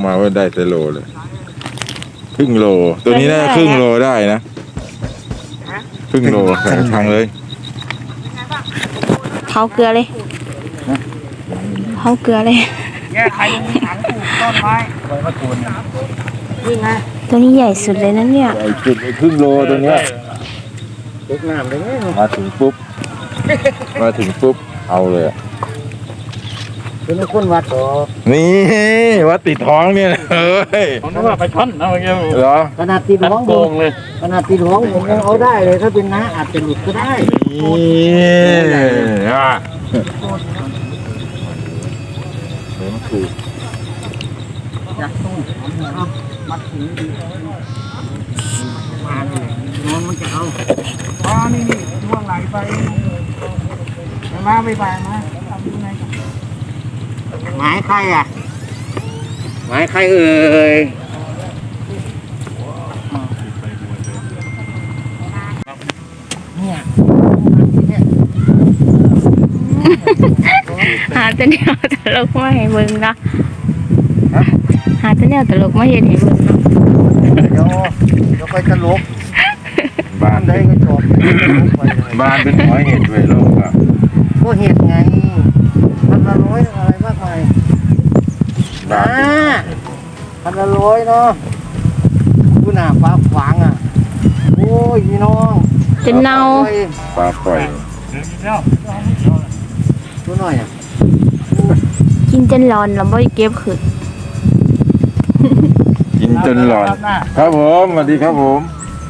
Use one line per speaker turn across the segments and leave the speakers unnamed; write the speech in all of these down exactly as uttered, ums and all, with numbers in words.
มาว่าได้แต่โลเลยครึ่งโลตัวนี้น่าครึ่งโลได้นะครึ่งโลใส่ทางเลย
เผาเกลือเลยเผาเกลือเลย
แย่ใครมีถังปลูกต้นไม้ใบมะกรูดนี่ไง
ตัวนี้ใหญ่สุดเลยนะเนี่ย
ใหญ่สุดในครึ่งโลตัวเนี้ย
เล็กน้ำเลย
มาถึงปุ๊บมาถึงปุ๊บเอาเลย
เป็นคนวัดต่อ
นี่วัดติดท้องเนี่ยเฮ้ย
ผมนึกว่าไปช้อนนะเมื่อกี้
เหรอ
ขนาดตีท้องโกงเลยขนาดตีท้องผมยังเอาได้เลยถ้าเป็นน้าอาจจะหลุดก็ได้
นี่อ่ะเหมือนถูก
อยากต้องมัดถึงดีมาเลยน้องมันจะเอาอ๋อนี่นี่ช่วงไหลไปมาไปไปมาทำยังไงหมายใครอ่ะหมายใครเอ่ยเนี่ย
หาตัวเนี้ยตลกมาให้เบิ่งนะหาตัวเนี้ยตลกมาเห็นให้เบิ่งเนาะ
เดี๋ยวเดี๋ยวไปตลก
บ้าน
ได้ก็จบ
บ้านเป็นร้อยเห็ดเลยโลกอ่ะ
ก็เห็ดไงพันละร้อยอะไรมากมายนะพันละร้อยเนาะกูหน้าฟ้าขวางอ่ะโอ้ยพี่น้อง
จะเน่า
ปลาปล่อย
ตัวหน่อยอ่ะ
กินจนร้อนแล้วไม่เก็บคือ
กินจนร้อนครับผมสวัสดีครับผม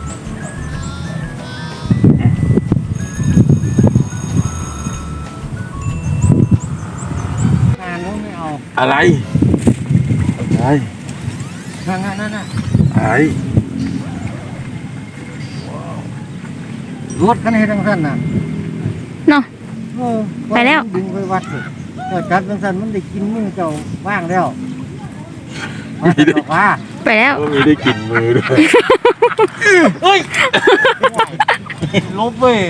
อะไรอะไร
นั่นนั่นนั่น
อะไร
รถคันนี้ทั้งสั้นน่ะ
เนาะไปแล้ว
ดึงไปวัดเลยเจ้าจัดทั้งสั้นมันได้กินมือเจ้าว่างแล้วว่า
ไปแล้ว
มีได้กินมือด้วย
เฮ้ยลบเว้ย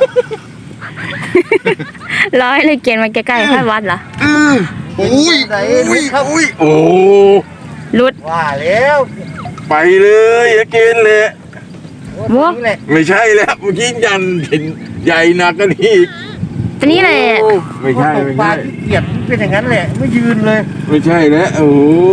ร้อยเลยเกียนมาใกล้ๆให้วัดเหรอ
อุ้ยอุ้ยอุ้ยโอ้
ลุด
ว่าแล้ว
ไปเลยอย่ากินเลย
วัว
ไม่ใช่แล้วเมื่อกี้ยันเห็นใหญ่หนักกันอีก
ตัวนี้เลย
ไม่ใช่ไม่ใช่
เกียดเป็นอย่างนั้นแหละไม่ยืนเลย
ไม่ใช่แล้วโอ้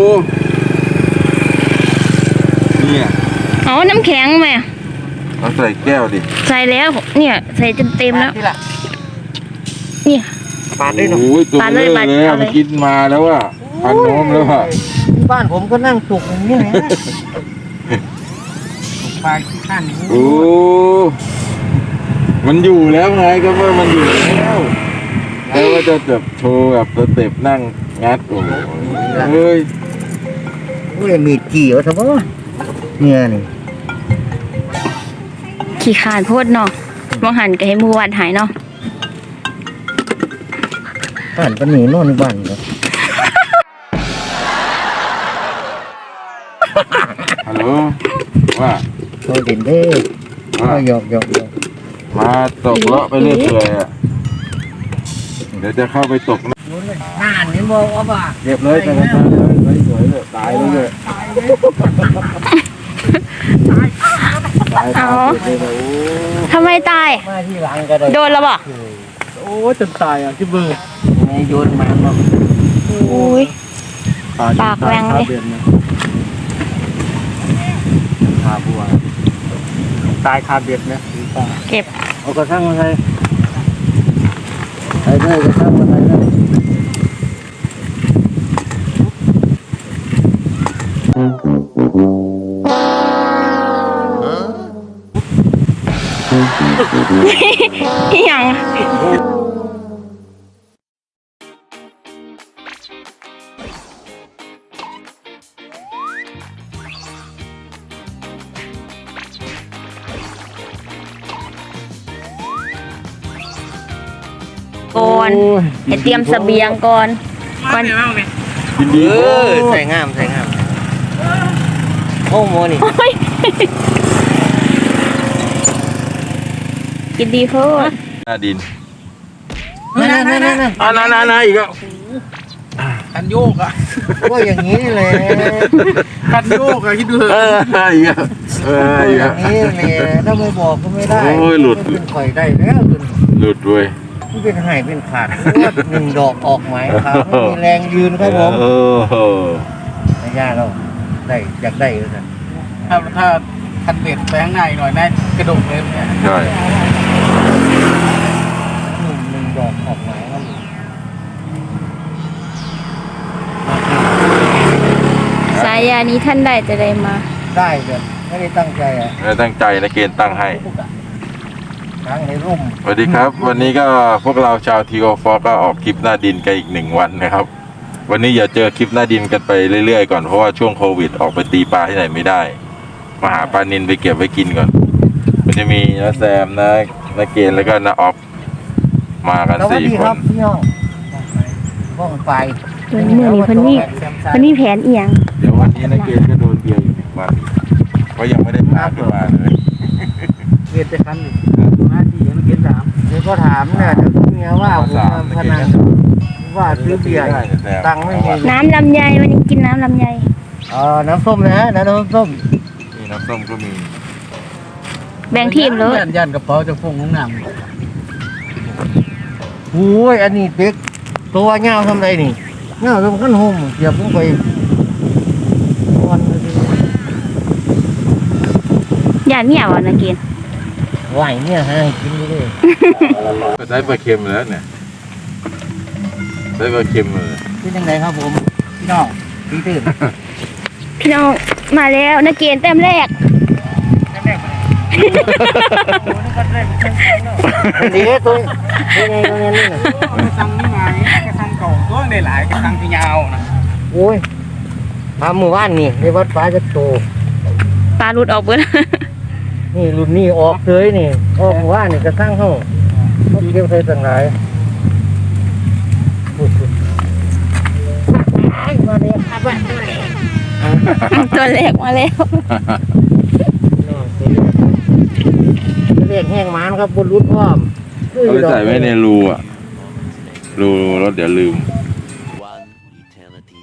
เนี่ย
เอาน้ำแข็งไหม
เอาใส่แก้วดิ
ใส่แล้วเนี่ยใส่จนเต็มแล้วเนี่ย
ปาดได้หรอ
ปาดเลยปาดเลยมันกินมาแล้วอ่ะพันน้อมแล้วอ่ะ
บ้านผมก็นั่งจุกอย่างนี้แหละจุกปลาขี้ข้าน
โอ้มันอยู่แล้วไงก็ว่ามันอยู่แล้วแล้วก็จะแบบโชว์แบบสเต็ปนั่งงัดโอ้เฮ้ย
เฮ้ยมีกี่วะท่านพ่อเนี่ยนี่
ขี้ขาดโพดเนาะมองหันกับให้มือวัดหายเนาะ
บ้านปนีนอนบ้านเหรอ
ฮัลโหลว่า
เราเด่นเด้ว่าหยอกหยอกหยอก
มาตกเลาะไปเรื่อยๆอ่ะเดี๋ยวจะเข้าไปตกนะ
น่านนี่บอกว่าบ้า
เก็บเลยแต่ละท่านเลยสวยเลยตายเลยตายเลยตายตาย
ทำไมตายโดนแล้วบ่
โอ้จนตายอ่ะที่เบอร์ไงโยนมาเนาะ
โอ้ยปากแรงเลย
คาบัวตายคาเบ็ดนะ
เก็บ
เอากระทั่งมาใส่ใส่ได้กระทั่งมาใส่ได้
ยังก่อนให้เตรียมเสบียงก่อนก่อน
เออใส่งามใส่งามโอ้โมนี่
กินดีเพิ่ม
หน้าดิน
นั่นนั่นนั่น
อ่านั่นนั่นอีกแล้ว
คันโยกอ่ะ
ก็อย่างนี้เลย
คันโยกอ่ะคิดดู
เอออีกอ่ะเอออีก
อ
อ่ะ
ย่างนี้เลยถ้าไม่บอกก็ไม่ได้
โอ้ยหลุด
เป็นข่อยได้แล้วเป็น
หลุดเว้ย
มันเป็นหายเป็นขาดเพราะว่าหนึ่งดอกออกไหมครับไม่มีแรงยืนครับผม
เออ
ไม่ยากเราได้อยากได้เลยนะ
ถ้าถ้าคันเบ็ดไปข้างในหน่อยน่ากระโดดเลยเนี่ย
ใช่
หนึ่งหนึ่งดอกออกไหมครับ
สายยานี้ท่านได้จะได้มา
ได้เลยไม่ได้ตั้งใจอ่ะ
ไม่ตั้งใจนะเกณฑ์ตั้งให้
ทั้งในร่ม
สวัสดีครับ วันนี้ก็พวกเราชาวทีโอฟอก็ออกคลิปหน้าดินกันอีกหนึ่งวันนะครับ วันนี้อย่าเจอคลิปหน้าดินกันไปเรื่อยๆก่อนเพราะว่าช่วงโควิดออกไปตีปลาที่ไหนไม่ได้มาหาปลานินไปเก็บไว้กินก่อนมันจะมีน้าแซมนะน้าเกณฑ์แล้วก็น้าออฟมากัน
สวัส
สี่
ดี
ค
ครับ
น
พี่น้องบ้องไฟ
เมื่อนี้เพิ่นมีเพิ่นมีแผนเอียง
เดี๋ยววันนี้น้าเกณฑ์ก็โดนเบียร์อยู่หนึ่งวันเพราะยังไม่ได้พาขึ้นมาเลย
เบ็ดจะคันหนึ่งหน้าที่ยังเบ็ดสาม
เดี๋ยวก็ถามเนี่ยเดี๋ยวก็เมียว่าผมทำพนันว่าซื้อเบียร์ตังค์ไม่มี
น้ำลำไยวันนี้กินน้ำลำไย
เออน้ำส้มนะฮะน้ำส้ม
นี่น้ำส้มก็มี
แบ่งทีมเลย
ยันยันกระเป๋าจะฟงของน้
โอ้ยอันนี้เด็กตัวเงาทำไรนี่เงาทำขั้นห่มเสียบลงไปวันเลย
อย่าเมียวอ่ะนะเกณฑ์
ไหวเนี่ยฮะกินไปเลย
ก็ได้ปลาเค็มแล้วเนี่ยได้ปลาเค็มเลย
เป็นยังไงครับผมพี่น้องพี่ตื่น
พี่น้องมาแล้วนะเกณฑ์แต้มแรก
ดีตัวยังไงตัวนี้นี่นะ
ำกระชังนี่มาเนี่ยกระชังเก่าตัวได้หลายกระชังที่ยาวนะ
โอ้ยทำหมู่บ้านนี่ในวัดฟ้าจะโต
ปลาหลุดออกเบิด
นี่รุ่นนี้ออกเลยนี่ออกหมู่บ้านนี่กระทั่งห้องเขาเก็บใส่ต่างหลายมาเลยครับว่า
ตัวแรกมาแล้ว
เรียกแห้งมันครับบนรุดพร้อม
เอาไปใส่ไว้ในรูอ่ะรูรถเดี๋ยวลืม
One eternity.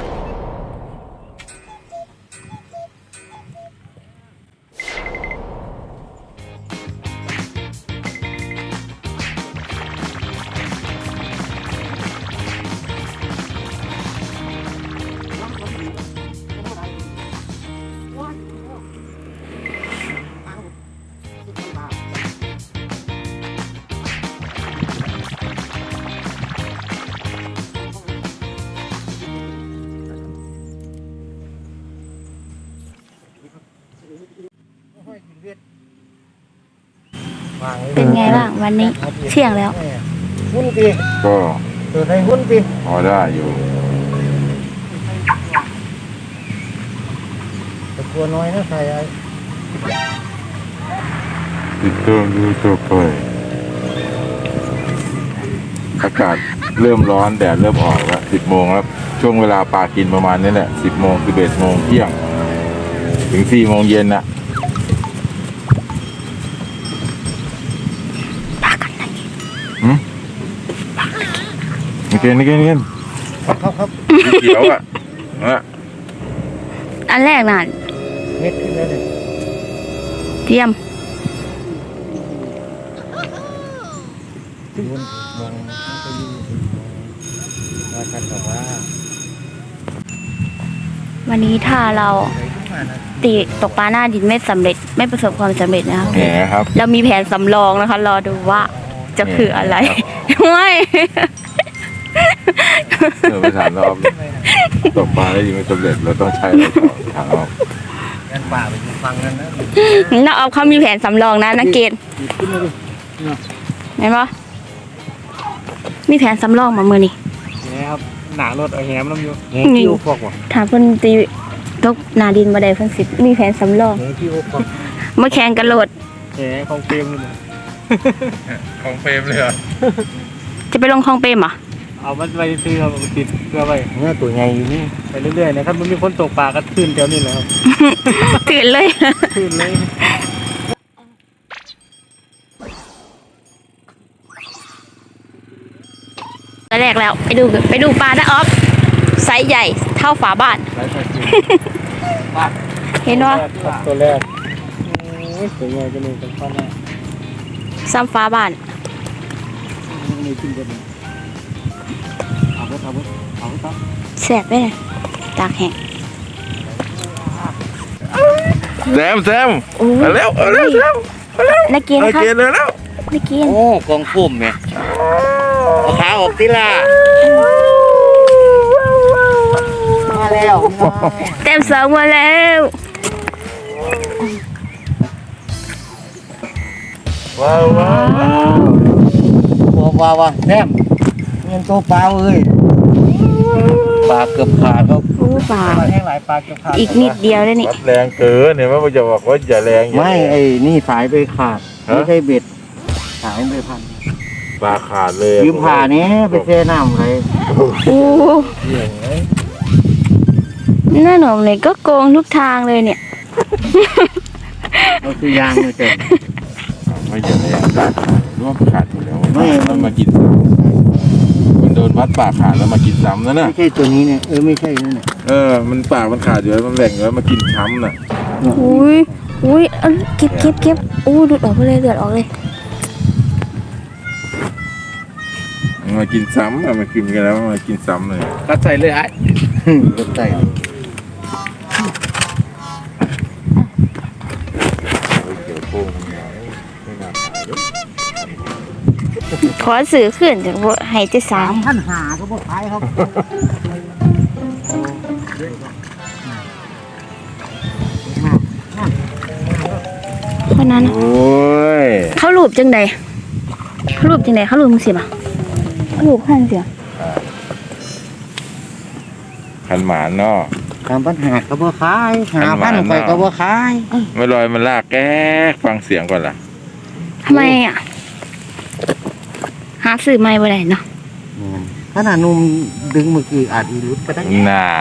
เป็นไงบ้างวันนี้เที่ยงแล้ว
หุ้นตี
ก็
ตัวไทยหุ้นตี
พอได้อยู่
แต่ตัวน้อยนะใส่ไอ้
ติดเครื่องดูตัวไปอากาศเริ่มร้อนแดดเริ่มออกแล้วสิบโมงแล้วช่วงเวลาปลากินประมาณนี้แหละสิบโมงสิบเอ็ดโมงเที่ยง ถึงสี่โมงเย็นน่ะหืมนี่เกนนี่เกนนี่เกน
ครับครับ
สีเขียวอ่ะนะ
อันแรกน่ะ
เม็ดขึ้นแล้วเนี่ย
เทียม
หุ้นมองก็ยืนว่าท่านบอกว่า
วันนี้ถ้าเราตีตกปลาหน้าดินไม่สำเร็จไม่ประสบความสำเร็จนะคะ
แหมครับ
เรามีแผนสำรองนะคะ รอดูว่าจะคืออะไรไม่
เออไปถามรอบตกปลาได้ยังไม่สำเร็จเราต้องใช้อะไรต่อถามรอบ
งั้นป่าไปฟังกันนะ
เราเอาเขามีแผนสำรองนะนักเกณฑ์
ขึ้นมาดิ
เห็นปะมีแผนสำรองมาเมื่อนี้
เนี่ยครับหนารถเอาแหมน้ำอยู่
เงี้ยคิวฟอกว่ะ
ถามเพิ่นตีตกหนาดินมาได้เพิ่นสิมีแผนสำรอง
เงี้ยคิวฟอก
มาแข่งกันโหลด
แหมของเฟรมเลย
ของเฟรมเลยเหรอ
จะไปลงคลองเปรมเหรอ
เอามันไปซื้อเอาไปติดเพื่อไป
เงี้ยตัวใหญ่อยู่นี่
ไปเรื่อยๆนะครับมันมีคนตกปลาก็ขึ้นแถวนี้แหละครับ
ตื่นเลย
ขึ้นเลย
ตอนแรกแล้วไปดูไปดูปลาได้ออฟไซส์ใหญ่เท่าฝาบ้าน
ไร้ไฟจริง
เห็นว่า
ตัวแรกสวยงามจะมีเป็นข้อหน้า
ซ้ำฝาบ้าน
มีขึ้นกันเอาไปเอาไปเอาไปครับ
แสบไปเลยตากแห้ง
แซมแซม
โอ้
เอา
ย
เร็วเอาเร็วแซม
นักกิน
เอา
ครับ
เกณฑ์เลยแล้ว
นักกิน
โอ้กองพุ่มเนี่ยเอาขาออกทีละมาแล้วพี่น้อง
เต็มสองมาแล้ว
ว้าวว้าวว้าว
ตัวปลาวะแซมเงินตัวปลาเอ้ยปลาเกือบขาดครับ
โอ้ป่า
ปลาแห้งหลายปลาเกี่ยวขาด
อีกนิดเดียวเลยนี่
วัดแรงเกินเห็นไหมว่าจะบอกว่าอย่าแรงอย่า
ไม่
แรง
ไอ้นี่สายไปขาด
ฮะ
ไม่ใช่เบ็ดสายไปพัน
ปลาขาดเลย
ยืมผ่านี้ไปเซน้ำเลย
โอ้
เหี้ยไง
หน้าหนมเลยก็โกงทุกทางเลยเนี่ย
เราคือยางเลยเจ้ะ
ไม่อย่าแรงร่วมขาดอยู่แล้ว
ไม่
มันมากินซ้ำมันโดนวัดปากขาดแล้วมากินซ้ำนั่นน่ะ
ไม่ใช่ตัวนี้เนี่ยเออไม่ใช่นั่นน่ะ
เออมันปากมันขาดอยู่แล้วมันแหว่งอยู่แล้วมากินช้ำน่ะ
อุ้ยอุ้ยเอาเก็บเก็บเก็บอู้ดูดออกไปเลยเดือดออกเลย
มันมากินซ้ำอะมันกินกันแล้วมันมากินซ้ำเลย
กัดใส่เลยไอ้
รถไต่
โอ้ยเกี่ยวโป้งมันใหญ่ไม่น่าขายเลย
ขอสื่อขึ้นจากว่าให้เจะสา
สาม มพันหาก็พอขายครับ
คนนั้น
โอ้ย
เขารูปจังใดเขารูปจังใดเขารูปมึงสิบ่ะเขารูปขั้นเสีย
ขันหมานเนาะ
สามพันหาก็พอขายหาพันไปก็พอขาย
ไม่ลอยมันลากแก๊กฟังเสียงก่อนล่ะ
ทำไมอ่ะหาสื่อไม่บ่ได้เนาะ
ขนาดนุ่มดึงเมื่อกี้อาจอีรุดก็ได้
นาน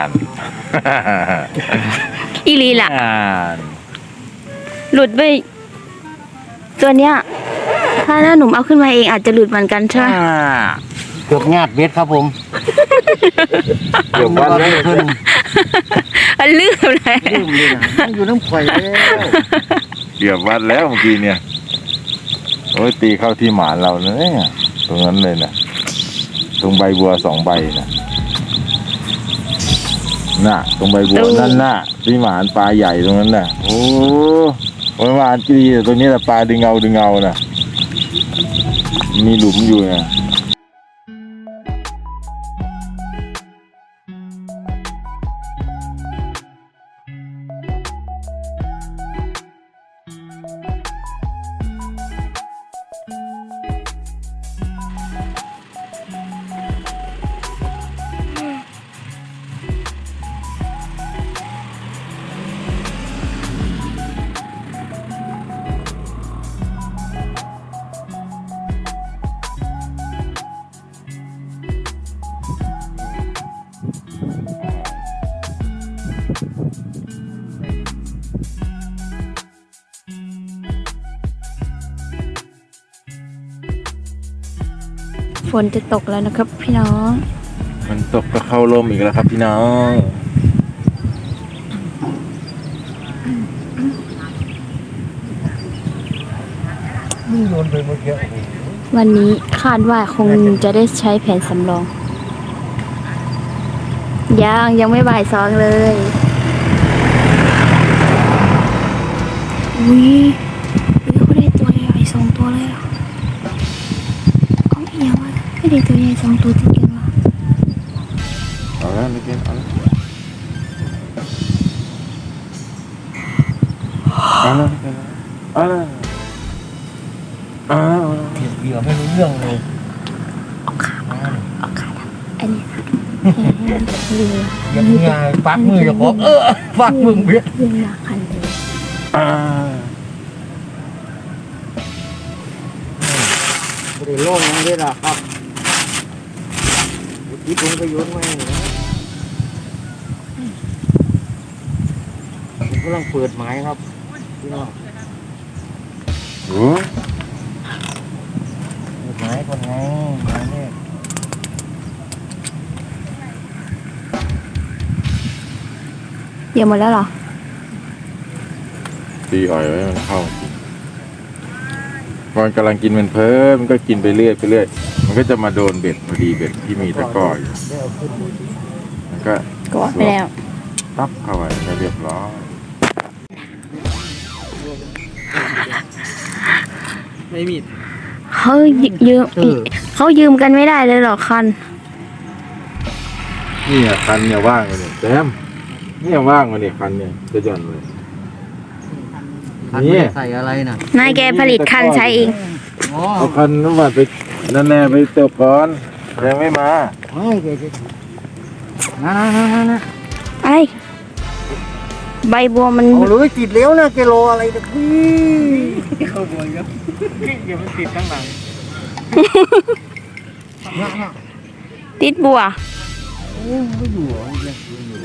อีหลีล่ะ
นาน
หลุดไปตัวเนี้ยถ้าหน้าหนุ่มเอาขึ้นมาเองอาจจะหลุดเหมือนกันใช่ไหม
เกือบงาดเบ็ดครับผม
เดี๋ยววันแล้ว
ขึ้น
มันลืมเลย
ลืมเลยนะมันอยู่น้ำข่อยแล้ว
เกี่ยววัดแล้วเมื่อกี้เนี่ยโอ้ยตีเข้าที่หมานเราเนี่ยตรงนั้นเลยนะตรงใบบัวสองใบนะน่ะ ตรงใบบัวนั่นน่ะที่หมานปลาใหญ่ตรงนั้นน่ะ โอ้ประมาณกี่ดีตัวนี้แหละปลาดึงเงาดึงเงาน่ะ มีหลุมอยู่นะ
ฝนจะตกแล้วนะครับพี่น้อง
มันตกก็เข้าลมอีกแล้วครับพี่น้อง
มึงโดนไปเมื่อกี้
วันนี้คาดว่าคงจะได้ใช้แผนสำรอง ยังยังไม่บ่ายสองเลยอุ้ยอุ้ยเขาได้ตัวใหญ่สองตัวเลยอ่ะเอาอีกอย่างวะไม่ได้ตัวใหญ่สองตัวติดกันวะ
เอาแล้วนี่กินเอาแล้วเอาแล้วเอาแล้วเอาแล้ว
เหยื่อไม่รู้เรื่องเลย
เอาขาเอาขาดำอันนี้เรือ
ยังไงปักมือจะขอเออปักมึงเบี้ย
เรือหลักคันเลย
อ่า
ไม่ได้โล่งยังได้หรอกครับคิดลงไปโยนไว้ผมกำลังเปิดหมายครับพี่น้อง
โอ้
เปิดหมายคนไงหมายเนี่ย
เดี๋ยวหมดแล้วเหรอ
ตีอ่อยไว้มันเข้ากินพอมันกำลังกินมันเพิ่มมันก็กินไปเรื่อยไปเรื่อยมันก็จะมาโดนเบ็ดพอดีเบ็ดที่มีตะกร้ออยู่มันก็
ก็ไปแล้ว
ตับเข้าไปก็เรียบร้อย
ไม่มี
เขายืมเขายืมกันไม่ได้เลยเหรอคัน
นี่อ่ะคันเนี่ยว่างเลยเนี่ยแซมเนี่ยว่างเลยเนี่ยคันเนี่ยจะหย่อนเลย
คันไม่ได้ใส่อะไรน่ะ
นายแกผลิตคันใช้เอง
อ๋อ
เอาคันน้ำมันไปนั่นแน่ไปเติบก่อนยังไม่มา
ไม่เกจะนะนะนะนะนะ
อะไร ใบบัวมัน
เอาเลยติดแล้วนะกิโลอะไรนะพี่
เข้าบวยครับเดี๋ยวมันติดข้างหลัง
นะนะ
ติดบัว
โอ้ยไม่อยู่เหรอเนี่ย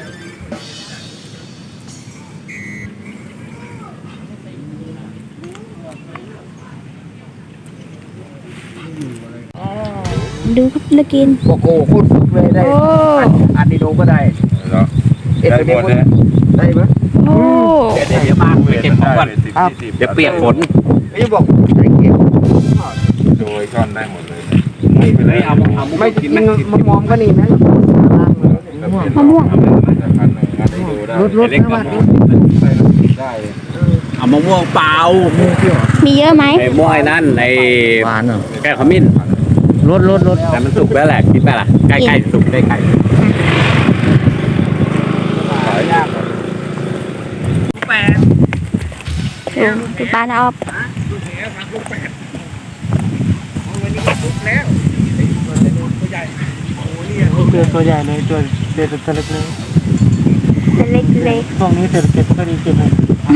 ดูครับนักกิน
โอ้โหพูดฝึกเลยได้
โอ้
อันนี้ดูก็ได้
เนาะได้หมดเลย
ได้ไหม
โอ้
เดี๋ยวเดี๋ยวมาไปเก็บของก่อนเดี๋ยวเปียกฝนไอ้บอกไอ้เก็บ
โดยช่อนได้หมดเลย
ไม่เป็นไรเอาเอาไม่กินมะม่วงก็นี่นะ
มะม่วง
รถรถนะมัน
ได้
เอามะม่วงเปล่า
มีเยอะไหม
ไอ้ม่วงไอ้นั่นไอ้
หวานเหรอ
แก้วขมิ้น
รถรถรถ
แต่มันสุกแล้วแหละคิดไปล่ะใกล้ๆสุกใกล้ๆแปด
ดูดูปลาเอา
เจอตัวใหญ่เลยตัวเด็ดตัวเล็กเลย
เล็กเล็ก
ช่วงนี้เศรษฐกิจก็ดีเก็บเลย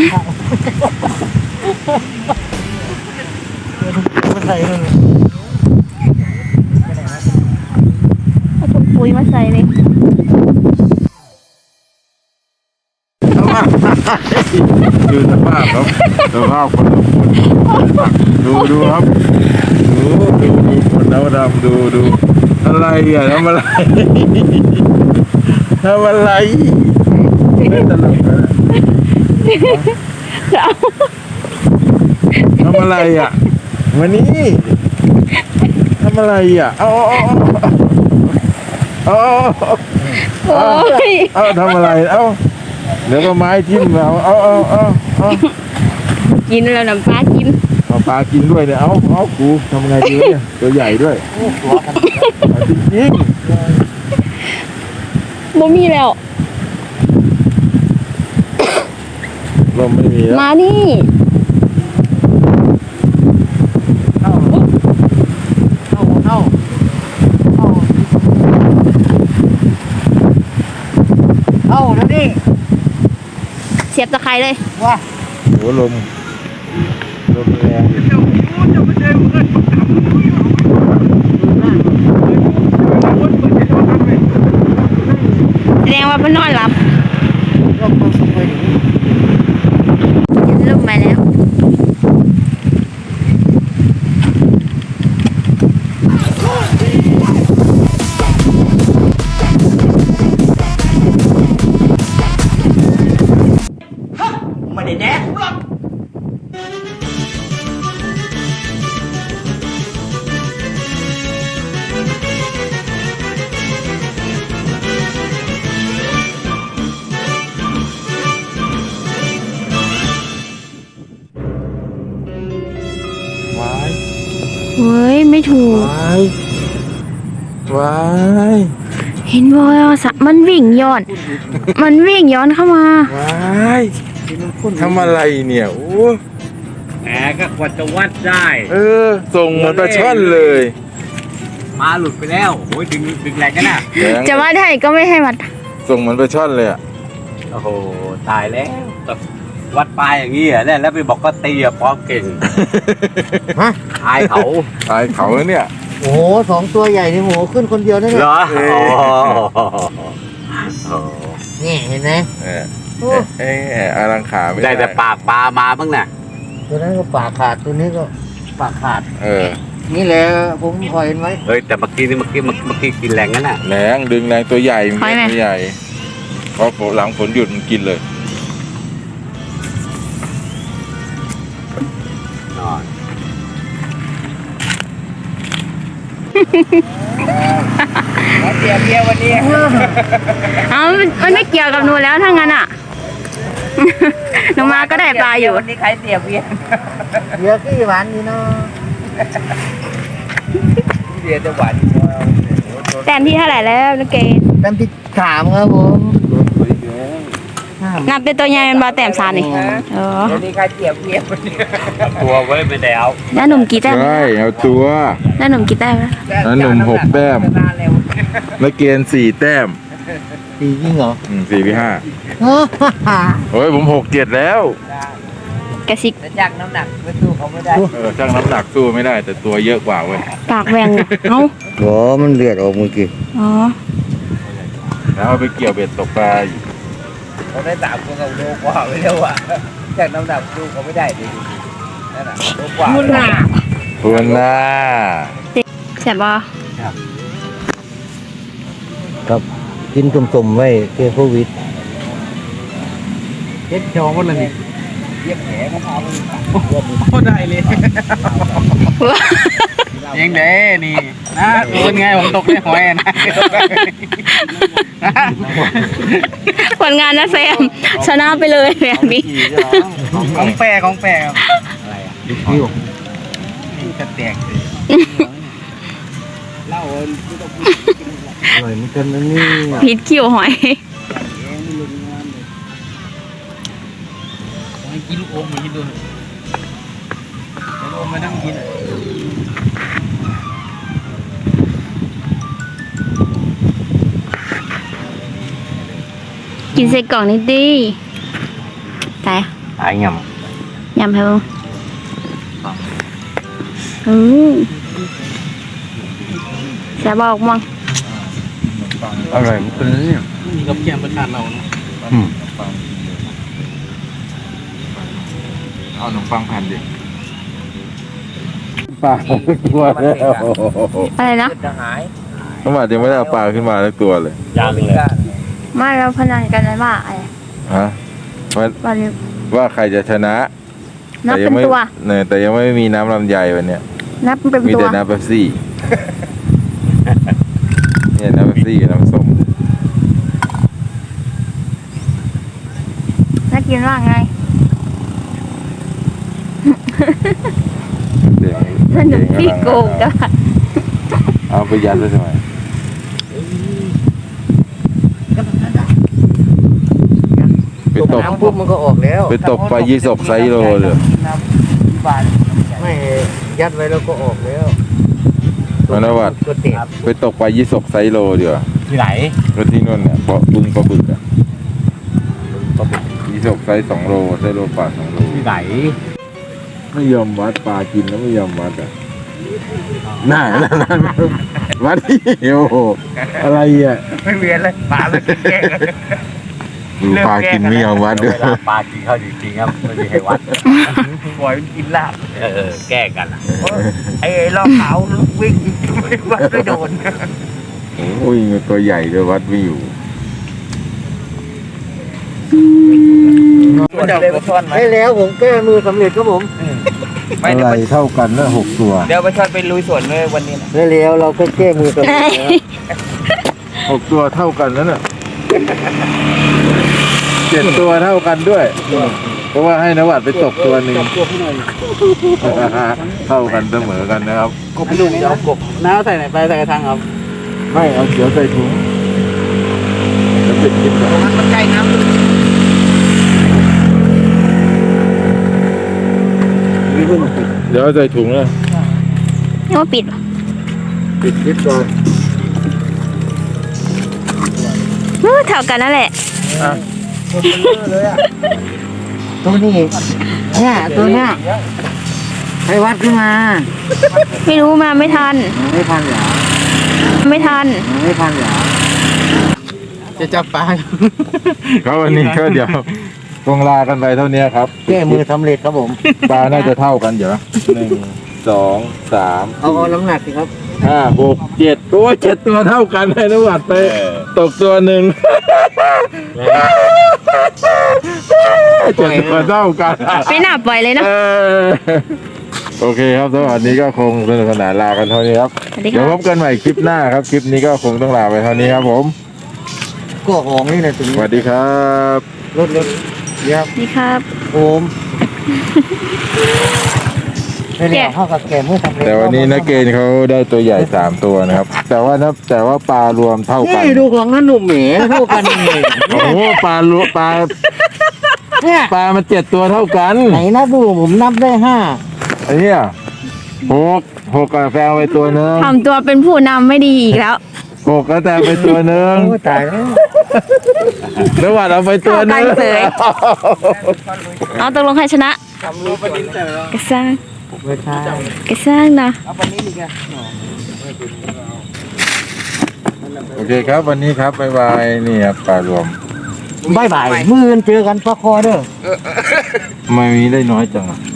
มาใส่เลย
เอาถุงปุ๋ยมาใส่เลย
ดูสภาพครับสภาพคนละคนดูดูครับดูดูดูคนดำดำดูดูอะไรอ่ะทำอะไรทำอะไรไม่ตลกนะทำอะไรอ่ะวันนี้ทำอะไรอ่ะเอาเอาเอาเอา
โอ้ย
เอาทำอะไรเอาเดี๋ยวก็ไม้ทิ่มเราเอาเอาเอาเอา
กินแล้วน้ำปลากิน
เอาปลากินด้วยเนี่ยเอาเอากูทำไงดีวะเนี่ยตัวใหญ่ด้วยเอาจริง
บ่มีแล้ว
ๆลมไม่มีแล้ว
มานี่
เข้าเข้าเข้าเข้าเข้าแล้วดิ
เสียบตะไคร้เลย
ว่า
โหลมลมแรง
แสดงว่ามันนอนหลับ
ก็คงสบายดี
กินลงมาแล้ว
ไม่ได้แดกหรอก
วาย
เฮ้ย ไม่ถูก
วายวาย
เห็นบ่อยสะมันวิ่งย้อน มันวิ่งย้อนเข้ามาว
ายทำอะไรเนี่ยโอ้
แหมก็กว่าจะวัดได้
เออส่งเหมือนปลาช่อนเลย
มาหลุดไปแล้วโอ้ยดึงดึงแรงกันน่ะ
แรง
จะว่าได้ก็ไม่ให้วัด
ส่งเหมือนปลาช่อนเลยอ่ะ
โอ้โหตายแล้ววัดปลายอย่างนี้เหรอเนี่ยแล้วไปบอกก็ตีอะพร้อมเก่ง
ฮะ
อายเขา
ตายเขาแล้วเนี่ย
โอ้โหสองตัวใหญ่นี่โหขึ้นคนเดียวนั่น
เห
แห
ร
ละ
อ
เอ้ย
โอ้โห
นี่เห็นไหม
เออเอ๊ะเอ๊ะอารังขาไม่
ได้
ได้
แต่ปากปลามาบ้างน่ะ
ตัวนั้นก็ปากขาดตัวนี้ก็ปากขาด
เออ
นี่แหละผมพอเห็นไว้
เฮ้ยแต่เมื่อกี้นี่เมื่อกี้เมื่อเมื่อกี้กินแรงงั้นน่ะ
แรงดึงแรงตัวใหญ่มัน
ถอยไหม
ตัวใหญ่พอหลังฝนหยุดมันกินเลย
นอน แล้วเบียร์เบียร์วันนี้
เอามันมันไม่เกี่ยวกับหนูแล้วถ้างั้นอ่ะ หนูมาก็ได้ปลาอยู่
วันนี้ใครเสียเบียร์
เดี๋ยวกี่วันนี่เนาะ
เบียร์จะหวาน
แต้มที่เท่าไหร่แล้วนักเกณฑ์
แต้มที่สามครับผม
นับเป็นตัวใหญ่เป็นบาแต้มซานนี่เออ
วันนี้ใครเสียเบียร์วันนี้ตัวไว้ไปแล้ว
แล้วหนุ่มกี่แต้ม
ใช่เอาตัว
แล้วหนุ่มกี่แต้มแล้ว
แล้วหนุ่มหกแต้ม นักเกียนสี่แต้ม
ตีจริงเหรอ
อืมสี่พี่ห้า
ฮ่า
โอ้ยผมหกเจ็ดแล้ว
กระซิก
แต่จากน้ำหนักไม่สู้เขาไม่ได้
เออช่างน้ำหนักสู้ไม่ได้ แต่ตัวเยอะกว่าเว้ย
ปากแหว่งเอ้า
โหมันเลือดออกเมื่อกี้
อ๋อ
แล้วเอาไปเกี่ยวเบ็ดตกปลาอยู่
เขาได้สามคนกับโลกว่าไม่เร็วอ่ะจากน้ำหนักสู้เขาไม่ได้ดินั่นน่ะโลกว่า
มุนหนา
ทวนหน้า
แสบบ่
ครับกินสมๆไว้เก้โควิด
เย็ดโชว์หมดเลยนี่เย็บแผลเขาพาไปโคตรได้เลยยังเด้นี่นะเป็นไงผมตกในหอยนะ
ผลงานนะแซมชนะไปเลยแบบนี้
ของแปรของแปรครับ
คิว
จะแตกเลยเล่า
อร่อยเหมือนกันนะนี่
พิษคิวหอย
กินลูกอมมากินดูลูกอมมานั่งกิน
กินใส่กล่องนิดดิแต่
ตายย
ยำให้บ้างอืมแสบบอกมั่ง
ำอร่อยเหมือนกันนะเนี่ย
นี่กับเกียมประชาเราเนาะ
อืม
เอาขนมปังแผ่นดิปลาตัวแล้ว
อะไรนะ
จะหาย
น้ำมันยังไม่ได้เอาปลาขึ้นมาสักตัวเลย
ยางเลย
ไม่เราพนันกันเลยว่าอะไร
ฮะว่า
วันนี้
ว่าใครจะชนะ
นับ
แต่ยั
เป็น
ไม่
ตัว
เนี่ยแต่ยังไม่มีน้ำลำไยวันเนี้ย
นับเป็น
มี
ตัว
แต่น้ำเป๊ปซี่ เนี่ยน้ำเป๊ปซี่กับน้ำส้ม
นักกินว่าไง
เด็ก
สนุกที่โกงกัน
เอาไปยัดไว้ทำไมไปตบ
น้ำปุ๊บมันก็ออกแล้ว
ไปตบปลายี่สกไซโลเลย
ไม่ยัดไว้แล้วก็ออกแล้ว
มานวัด
ตัวเตะ
ไปตกปลายี่สกไซโลดีกว่า
ที่ไหน
ก็ที่นู่นเนี่ยเพราะบึงปลาบึกอะปลาบึกยี่สกไซส์สองโลไซโลปลาสองโล
ที่ไหน
ไม่ยอมวัดปลากินแล้วไม่ยอมวัดอ่ะน่าน่าน่าวัดที่โอ้โหอะไรอ่ะ
ไม่เวียนเลยปลาไม่กินแกง
ดูปลากินไม่ยอมวัดด้วย
ปลากินเขาจริงๆครับไม่มีใครวัดปล่อยมันกินลาบเออแก้กันอ่ะไอ้รอบขาววิ่งไม่วัดไม่โดน
โอ้ยตัวใหญ่ด้วยวัดไม่อยู่
มันจะไปช่อนไหม
ให้แล้วผมแก้มือสำเร็จครับผม
ไม่
อะ
เดี๋ยว
ไร
ไป
เท่ากันนะหกตัว
เดี๋ยวไปช่อนไปลุยสวนเลยวันนี้นะ
ให้แล้วเราก็แก้มือสำเร็จแล้ว
หกตัวเท่ากันนั่นน่ะเจ็ดตัวเท่ากันด้วย เพราะว่าให้นวัดไปตกตัวหนึ่ง เท่ากันเสมอกันนะครับ
กบลุงจะเอากบน้าใส่ไหนไปใส่กระทังครับ
ไม่เอาเขียวใส่ถุงจะปิดคลิปก่อน
มันใกล้น้ำ
เดี๋ยวเอาใส่ถุงเลย
นี่ว่าปิดวะ
ปิดคลิปก่อน
เออเท่ากันนั่นแหละ
ตัวนี้เนี่ยตัวเนี้ยให้วัดขึ้นมา
ไม่รู้มาไม่ทัน
ไม่พันเหรอ
ไม่ทัน
ไม่พันเหรอ
จะจับปลา
ก็วันนี้ก็เดี๋ยวคงลากันไปเท่านี้ครับ
แก้มือสำเร็จครับผม
ปลาน่าจะเท่ากันเดี๋ยวหนึ่งสองสาม
เอาเอาน้ำหนักสิครับ
ห้าหกเจ็ดตัวเจ็ดตัวเท่ากันให้นวัดไปตกตัวหนึ่งเจ็ดตัวเท่ากัน
ไม่น่าปล่อยเลยเนาะ
เออโอเคครับสำหรับวันนี้ก็คงสนุกสนานลากันเท่านี้ครับ
สวัสดี
เดี๋ยว
ค
พ
รับบ
กันใหม่คลิปหน้าครับ คลิปนี้ก็คงต้องลาไปเท่านี้ครับผม
ก็ของนี่นะถึง
สวัสดีครับ
รถรถเยี่ยม
นี่ครับ
โอมไม่ได้เอาเข้ากับแกมเมื่อสำเร็จ
แต่วันนี้นักเกณฑ์เขาได้ตัวใหญ่สามตัวนะครับ แต่ว่านะแต่ว่าปลารวมเท่ากัน
นี่ดูของนั่นหนุ่มเหมเท่ากันเลย
โอ้โหปลารวมปลา
เนี่ย
ปลามันเจ็ดตัวเท่ากัน
ไหนนะดูผมนับได้ห้า
ไอ้เนี่ยหกหกกาแฟเอาไปตัวหนึง
ทำตัวเป็นผู้นำไม่ดีอีกแล้ว
หกก็แต่ไปตัวหนึง
โอ้ตายแล้ว
แล้ววัดเอาไปตัวหนึง
เข้ากันเสย เอาตกลงใครชนะ
ทำรูปดินแต่ละ
กระซัง
ไม่ใช่
กระซังนะ
เอาปนี้ดีกัน
โอเคครับวันนี้ครับบ๊ายบายนี่ครับปลารวม
บายบายมือกันเจอกันปะคอเด้อ
ทำไมมีได้น้อยจังอะ